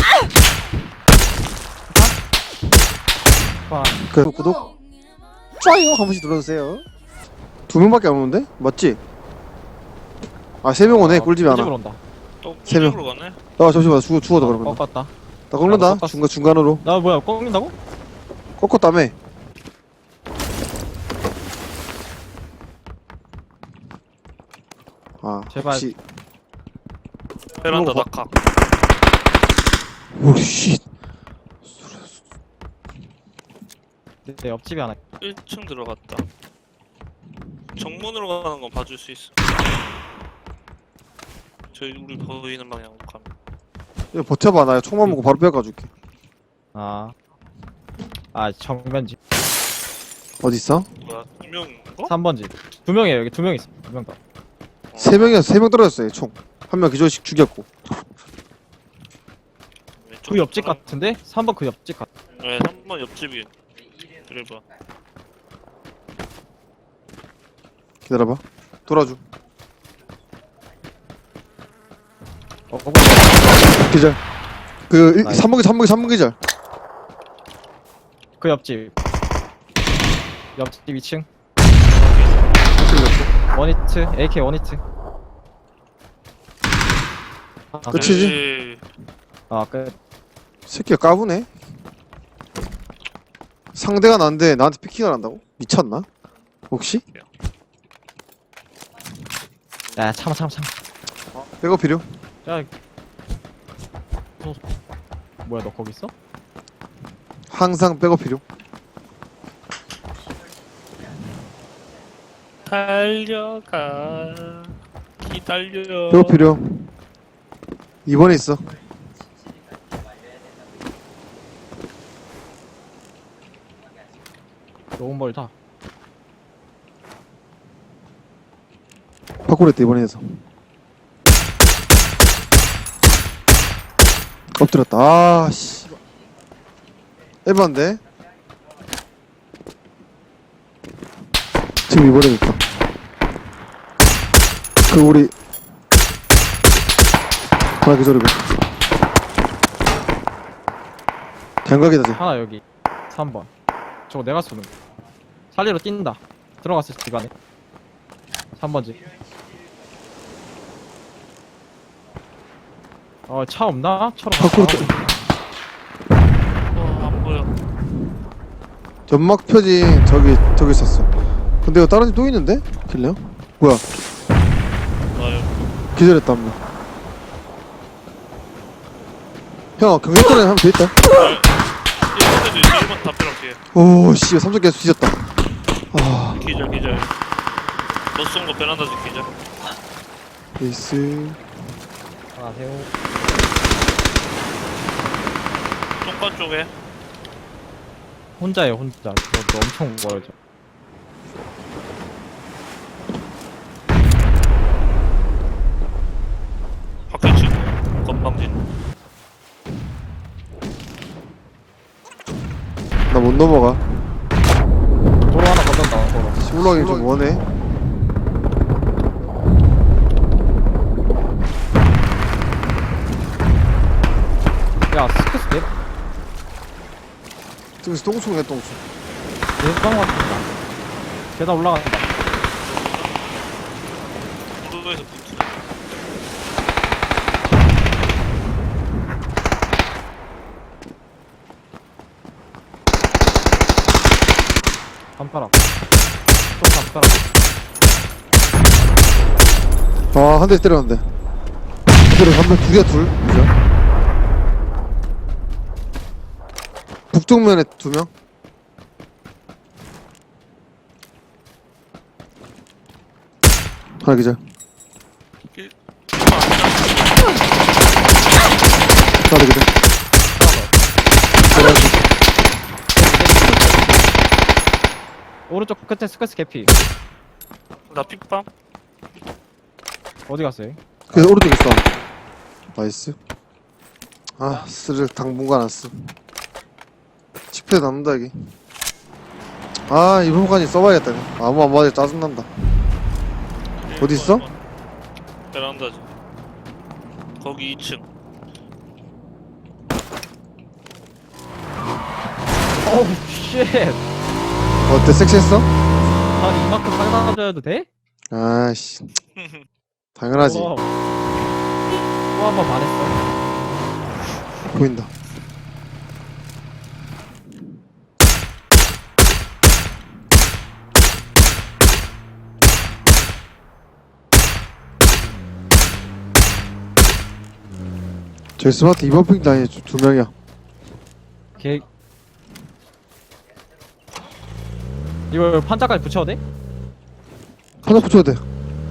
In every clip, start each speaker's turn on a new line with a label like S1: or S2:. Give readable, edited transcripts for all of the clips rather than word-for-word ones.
S1: 구독 좋아요 한 번씩 눌러주세요. 2명밖에 안 오는데? 맞지? 아 3명 오네. 꿀집이 하나.
S2: 꿀집으로 온다.
S3: 또
S1: 세 명.
S3: 꿀집으로 가네.
S1: 아 잠시만 죽어도 그러면
S2: 꺾었다.
S1: 나 꺾는다.
S2: 꺾었어.
S1: 중간으로
S2: 나 뭐야 꺾는다고?
S1: 꺾었다며. 아
S2: 제발.
S1: 혹시
S3: 베란다
S1: 이거
S3: 낙하.
S1: 오씨
S2: 내 옆집에 하나.
S3: 1층 들어갔다. 정문으로 가는 건 봐줄 수 있어. 저희 우리 보이는 방향으로 가면.
S1: 이거 버텨봐. 나 총만 먹고 바로 빼가줄게.
S2: 아 정면집.
S1: 어딨어?
S3: 뭐야? 분명인가?
S2: 3번집. 2명이에요 여기 2명 있어. 2명 더.
S1: 3명이야. 3명 떨어졌어요 총. 한 명 기절씩 죽였고.
S2: 그 옆집 같은데? 3번 그 옆집 같.
S3: 네, 3번 옆집이. 그래봐.
S1: 기다려봐. 돌아줘. 기절. 그
S2: 나이스.
S1: 3번 기절.
S2: 그 옆집. 옆집 2층. 원히트 AK 원히트.
S1: 끝이지?
S3: 네.
S2: 끝.
S1: 새끼가 까부네. 상대가 난데 나한테 피킹을 한다고? 미쳤나? 혹시?
S2: 야 참아.
S1: 백업 필요?
S2: 야. 뭐야 너 거기 있어?
S1: 항상 백업 필요.
S3: 달려가. 기다려.
S1: 백업 필요. 2번에 있어.
S2: 너무 멀다.
S1: 파쿠르했다 이번에서. 엎드렸다. 아 씨. 에반데. 지금 이번에 있다. 그 우리 하나 기절이고. 장각이다 쟤.
S2: 하나 여기 3번. 저거 내가 쏘는 거. 살리로 뛴다. 들어갔어 집 안에. 3번지. 차 없나? 차로
S1: 파쿠르
S3: 안 보여.
S1: 연막 표진 저기 있었어. 근데 이거 다른 집 또 있는데? 길래요? 뭐야?
S3: 나요.
S1: 기절했다 한 명. 형 경력권에 하면 돼 있다.
S3: 1번에도 있어. 1번 담벼락 뒤에.
S1: 오 씨, 3점 계속 뒤졌다. 아,
S3: 기절. 너 쏜 거 베란다 집 기절.
S1: 에이스.
S2: 안녕하세요.
S3: 똥간 쪽에.
S2: 혼자예요 혼자. 너 엄청 멀어져.
S3: 밖에 치고. 건방진.
S1: 나 못 넘어가.
S2: 도로 하나 건넌다. 도로.
S1: 시울러기 좀 원해.
S2: 야 스크스 내
S1: 저기서 똥충해 똥충.
S2: 내방 같다. 계단 올라간다.
S3: 도로에서 붙어.
S2: 반파락. 또 반파락.
S1: 아, 한 대 때렸는데. 그대로 한명 두 개야 둘. 그죠? 북쪽면에 2명. 하나 기절. 하나 기절.
S2: 오른쪽 끝에 스크스 개피.
S3: 나 픽밤?
S2: 어디 갔어요?
S1: 그래서 오른쪽에 있어. 나이스. 아, 스를 당분간 안 쓰. 칩에 남는다 여기. 아, 이번까지 써봐야겠다. 이거. 아무 안 맞아 짜증난다. 어디 있어?
S3: 베란다지. 거기 2층.
S2: 어우 쉣.
S1: 어때, 섹시했어?
S2: 아 이만큼 살아줘도 돼?
S1: 아씨, 당연하지.
S2: 또 한 번 반했어.
S1: 보인다. 저기 스마트 이번 핑 라인에 두 명이야.
S2: 개. 이걸 판자까지 붙여도 돼?
S1: 하나 붙여야 돼.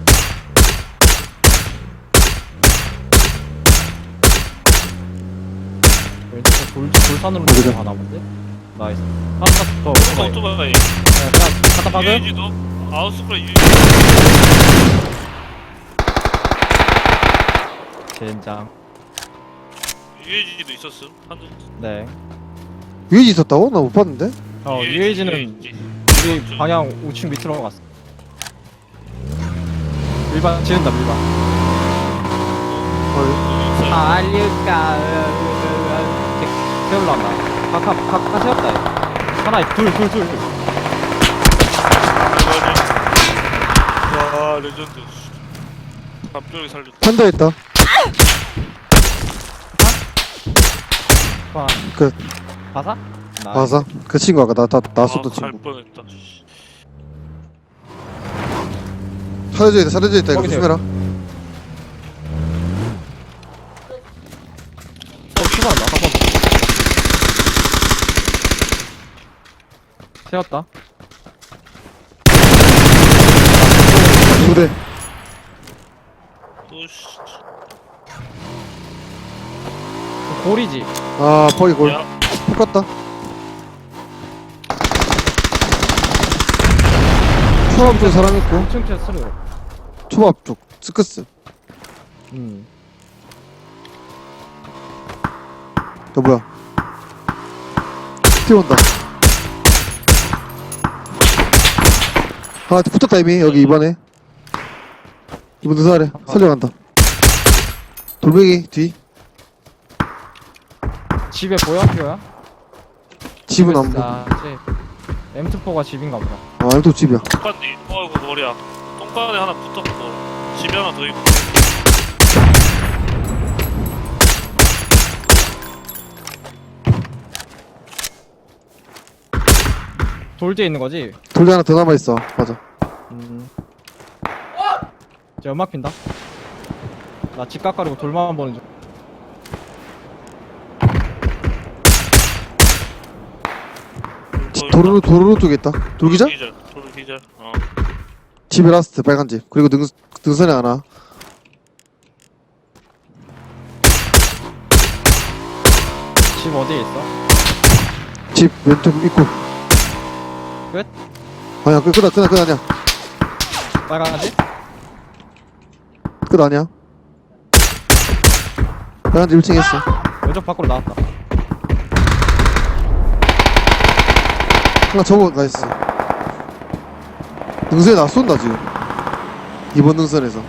S2: 왼쪽 돌산으로
S1: 그죠.
S2: 가나 본데? 나이스. 하나 더.
S3: 오토바이.
S2: 그냥 갖다 박음.
S3: 유해지도 아웃스크라 유해지.
S2: 젠장.
S3: 유해지도 있었음. 한두.
S2: 네.
S1: 유해지 있었다고? 나 못 봤는데?
S2: 유해지는
S3: 유해지.
S2: 우리 방향 우측 밑으로 갔어. 밀반 지른다 밀반.
S1: 어,
S2: 알릴까. 세울란다. 각각 세웠다. 얘. 하나 둘.
S3: 와 레전드. 갑자기 살렸다.
S1: 판다 있다.
S2: 봐.
S1: 끝.
S2: 바사? 나.
S1: 봐서 그 친구 아까 나 쏜던
S3: 갈
S1: 친구.
S3: 뻔했다.
S1: 사려져 있다, 사려져 있다. 이거
S2: 거기세요.
S1: 조심해라.
S2: 출발한다. 한번. 세웠다.
S1: 두 대.
S3: 또 씨.
S2: 골이지.
S1: 아, 퍼기 골.
S3: 야,
S1: 똑같다. 초밥 쪽 사람 있고,
S2: 2층 캐스로.
S1: 초밥 쪽 스크스. 너 뭐야? 뛰어온다. 아, 붙었다 이미. 여기 이번에 이번 누사 아래 살려간다. 돌멩이 뒤.
S2: 집에 보여? 피어야?
S1: 집은 안 보여.
S2: 아, M24가 집인가 보다.
S1: 아, 또 집이야.
S3: 똥간디. 어이구 머리야. 똥간에 하나 붙었고 집에 하나 더 있고.
S2: 돌 뒤에 있는 거지?
S1: 돌리 하나 더 남아 있어. 맞아.
S2: 쟤 연막 핀다. 나 집 깎아리고 돌만 보는 중.
S1: 도로 쪽에 있다. 돌기자?
S3: 돌기절. 어.
S1: 집에 라스트 빨간 집. 그리고 능선에 하나.
S2: 집 어디에 있어?
S1: 집 왼쪽 입구.
S2: 끝?
S1: 아니야, 끝 아니야.
S2: 빨간지?
S1: 끝 아니야. 빨간 집 1층 했어.
S2: 왼쪽 밖으로 나왔다.
S1: 하나 접어, 나이스. 능선에 나 쏜다, 지금. 이번 능선에서.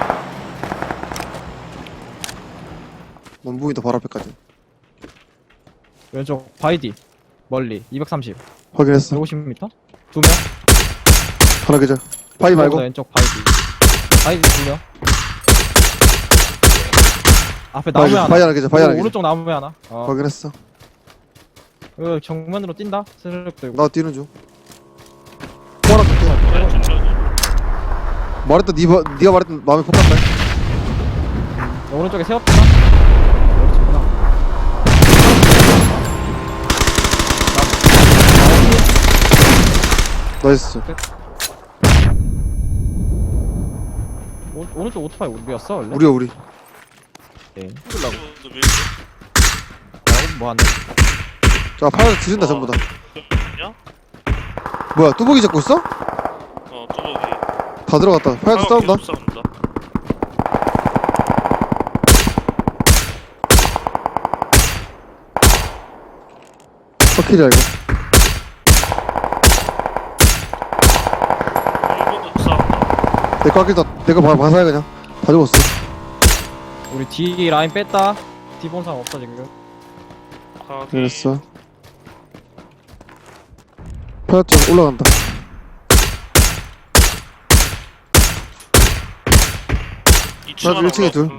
S1: 원부이다 바로 앞에까지.
S2: 왼쪽 바이디. 멀리. 230.
S1: 확인했어.
S2: 150m? 두 명?
S1: 하나 계절. 바이 말고.
S2: 왼쪽 바이디. 바이디 두 명. 앞에 나무에 하나.
S1: 바이 하나 계절. 바이 하나 계절.
S2: 오른쪽 나무에 하나.
S1: 확인했어.
S2: 정면으로 뛴다. 스르륵 들고.
S1: 나 뛰는 중. 포하나 뛸게. 말했다, 니가 말했던 마음에 폭탄다.
S2: 오른쪽에 세웠다. 오른쪽구나.
S1: 나이스.
S2: 오른쪽 오토바이 우리였어 원래?
S1: 우리야, 우리.
S2: 네.
S3: 뚫라고.
S2: 뭐 하네?
S1: 자, 파이어 지른다, 전부 다.
S3: 야?
S1: 뭐야, 뚜벅이 잡고 있어?
S3: 뚜벅이.
S1: 다 들어갔다. 파이어 싸운다.
S3: 싸운다.
S1: 버킬이야, 이거.
S3: 일본도 싸운다.
S1: 내거 아끼다. 내거 봐사야 그냥. 다 죽었어.
S2: 우리 D 라인 뺐다. D 본 사람 없어 지금.
S3: 아,
S1: 그랬어. 팔각정 올라간다.
S3: 2층 하나
S1: 나도 1층에 둘.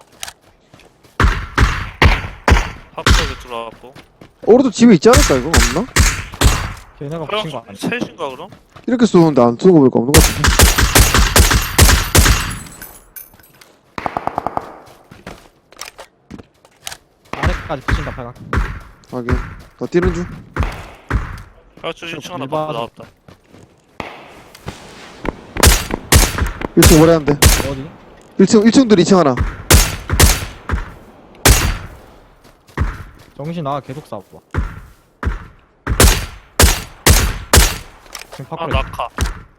S3: 합석에 들어왔고.
S1: 오른쪽 집에 있지 않을까 이거 없나?
S2: 걔네가 붙인 거 아니야?
S3: 셋인가 그럼?
S1: 이렇게 쏘는데 안 쏘는 거 보니까 없는 것 같은데.
S2: 아래까지 붙인다 팔각.
S1: 하긴 나 뛰는 중.
S3: 팔각정 1층 하나
S2: 일반-
S3: 받고 나왔다.
S1: 1층 오래 한대.
S2: 어디?
S1: 1층들 2층 하나.
S2: 정신 나가 계속 싸워. 지금
S3: 아
S2: 파크로
S3: 낙하.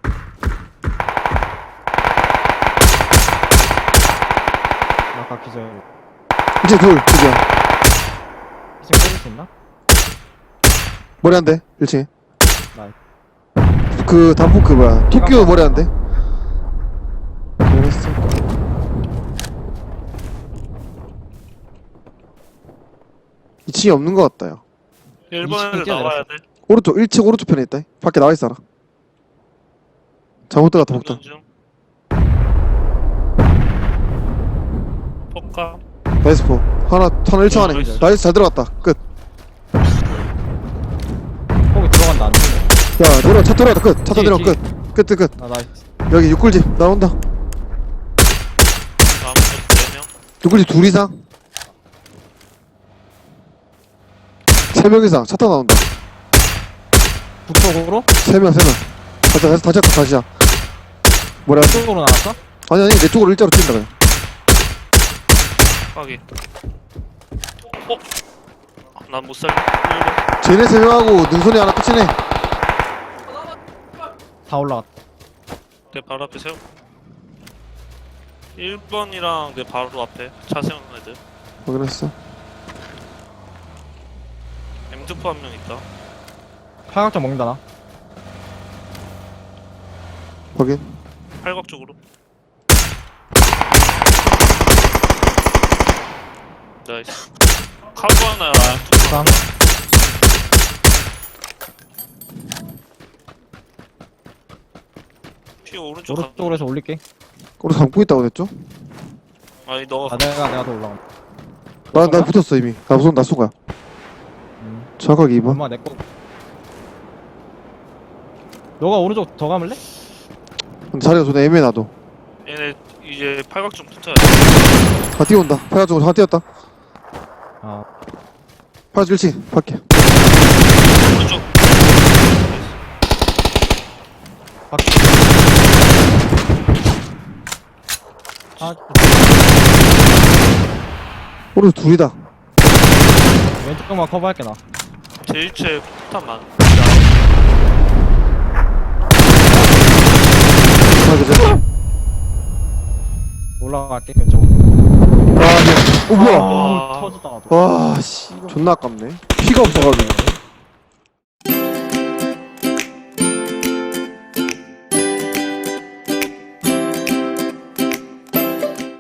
S2: 아까 기절.
S1: 2층 둘 그죠.
S2: 지금 때릴 수 있나?
S1: 머리 한대 1층에.
S2: 나이.
S1: 그 단풍 그 뭐야 토끼오 머리 한대. 그랬어. 2층이 없는 것 같다 야.
S3: 1번에 나와야 돼.
S1: 오른쪽 1층 오른쪽 편에 있다. 밖에 나와 있어라. 잘못 들어갔다 복다.
S3: 중. 폭감.
S1: 나이스 포. 하나 1층 안에.
S3: 나이스.
S1: 나이스 잘 들어갔다. 끝.
S2: 거기 들어간다 안 되네.
S1: 야 내려 차 들어갔다 끝. 차
S2: 뒤에,
S1: 내려
S2: 뒤에.
S1: 끝.
S2: 아 나이스.
S1: 여기 육골집 나온다.
S3: 다음 4명.
S1: 육골집 둘 이상. 3명 이상 차 타고 나온다.
S2: 북쪽으로?
S1: 3명. 다시야. 뭐라 하지?
S2: 북쪽으로 나왔어?
S1: 아니 내 쪽으로 일자로 뛴다 그냥.
S3: 확인. 난 못 살려. 1번.
S1: 쟤네 3명하고 능선이 하나 끝이네.
S2: 다 올라갔다.
S3: 내 바로 앞에 세워. 1번이랑 내 바로 앞에 차 세우는 애들.
S1: 확인했어.
S3: M2포 한 명 있다.
S2: 팔각정 먹는다 나.
S1: 확인.
S3: 팔각 쪽으로. 나이스. 카고 하나.
S2: 쌍.
S3: 피 오른쪽 가.
S2: 오른쪽으로 해서 올릴게.
S1: 우리 감고 있다고 그랬죠?
S3: 아니 너가
S2: 아 내가 더 올라간다.
S1: 나 붙었어 이미. 나 쏜 거야. 정확하게 2번.
S2: 엄마 내꺼. 너가 오른쪽 더 감을래?
S1: 근데 자리가 좀 애매해 나도.
S3: 얘네 이제 팔각 좀 붙어야 돼.
S1: 다 뛰어온다. 팔각정으로 하나 뛰었다.
S2: 아
S1: 팔각정 1층 밖에.
S3: 오른쪽.
S2: 밖. 아
S1: 오른쪽 둘이다.
S2: 왼쪽만 커버할게 나.
S3: 제1채 폭탄 많.
S1: 하나 그죠?
S2: 올라갈게 왼쪽으로.
S1: 아, 네. 뭐야?
S3: 와.
S2: 터졌다.
S1: 와, 씨. 존나 아깝네. 피가 없어가지고.